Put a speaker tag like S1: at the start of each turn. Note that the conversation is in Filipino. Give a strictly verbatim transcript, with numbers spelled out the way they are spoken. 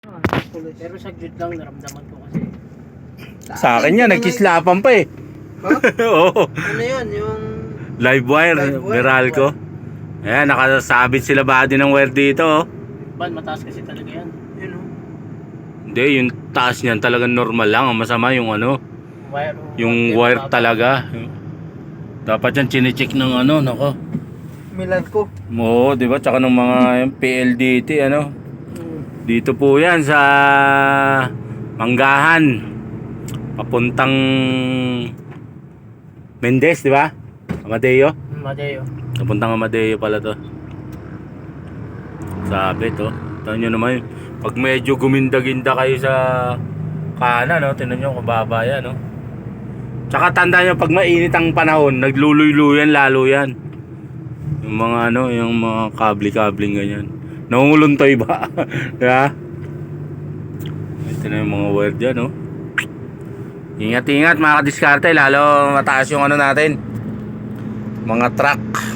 S1: Pero saglit lang naramdaman ko kasi.
S2: Sa akin yan, nagkislapan pa eh.
S3: Ha?
S2: Oo.
S3: Ano yan? Yung...
S2: Live wire,
S3: Live wire,
S2: Meralco. Ayan, nakasabit sila body ng wire dito. Oh.
S1: Ban, mataas kasi talaga yan.
S3: Yun o.
S2: Hindi, yung taas niyan talagang normal lang. Ang masama yung ano,
S1: Wire.
S2: yung wire talaga. Dapat yan chinecheck ng ano, nako.
S3: Milan ko.
S2: Oo, di ba? Tsaka ng mga P L D T, ano.
S3: Hmm.
S2: Dito po yan sa Manggahan. Papuntang Mendez, di ba? Amadeo.
S1: Madeo.
S2: Papuntang Amadeo pala to. Sabi to. Tignan nyo naman, pag medyo guminda-ginda kayo sa kanan, no? Tignan nyo, kababa yan, no? Tsaka tandaan nyo, pag mainit ang panahon, nagluluy-luyan lalo yan. Yung mga ano, yung mga kabli-kabling ganyan. Nangunguluntoy ba? Diba? Ito na yung mga wire dyan, no? Ingat-ingat mga kadiskarte, lalo mataas yung ano natin, mga truck.